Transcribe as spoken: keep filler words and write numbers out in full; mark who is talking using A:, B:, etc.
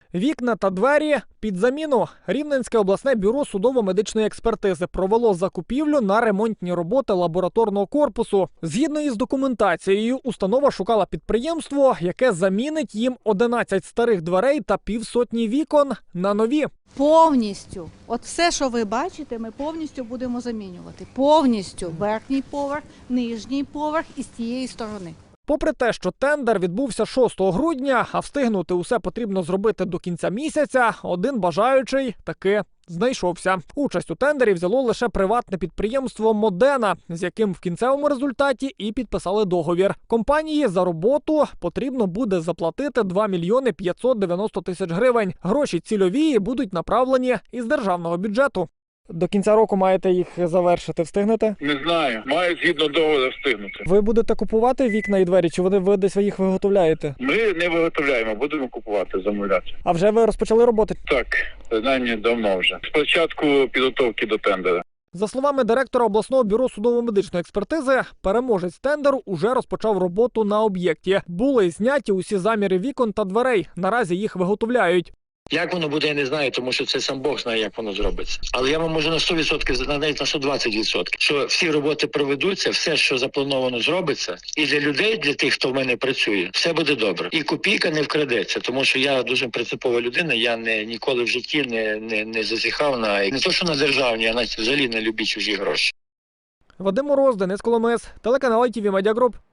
A: Вікна та двері під заміну. Рівненське обласне бюро судово-медичної експертизи провело закупівлю на ремонтні роботи лабораторного корпусу. Згідно із документацією, установа шукала підприємство, яке замінить їм одинадцять старих дверей та півсотні вікон на нові.
B: Повністю. От все, що ви бачите, ми повністю будемо замінювати. Повністю. Верхній поверх, нижній поверх і з тієї сторони.
A: Попри те, що тендер відбувся шостого грудня, а встигнути усе потрібно зробити до кінця місяця, один бажаючий таки знайшовся. Участь у тендері взяло лише приватне підприємство «Модена», з яким в кінцевому результаті і підписали договір. Компанії за роботу потрібно буде заплатити два мільйони п'ятсот дев'яносто тисяч гривень. Гроші цільові будуть направлені із державного бюджету. До кінця року маєте їх завершити. Встигнете?
C: Не знаю. Маю згідно договору встигнути.
A: Ви будете купувати вікна і двері, чи вони ви десь їх виготовляєте?
C: Ми не виготовляємо, будемо купувати, замовляти.
A: А вже ви розпочали роботи?
C: Так, принаймні давно вже. Спочатку підготовки до тендера.
A: За словами директора обласного бюро судово-медичної експертизи, переможець тендеру уже розпочав роботу на об'єкті. Були зняті усі заміри вікон та дверей. Наразі їх виготовляють.
D: Як воно буде, я не знаю, тому що це сам Бог знає, як воно зробиться. Але я вам можу на сто відсотків, навіть на сто двадцять відсотків, що всі роботи проведуться, все, що заплановано, зробиться. І для людей, для тих, хто в мене працює, все буде добре. І копійка не вкрадеться, тому що я дуже принципова людина, я не ніколи в житті не, не, не зазіхав на, не то, що на державні, а навіть взагалі не люблю чужі гроші.
A: Вадим Мороз, Денис Коломис, телеканал ай ті ві Медіа Груп.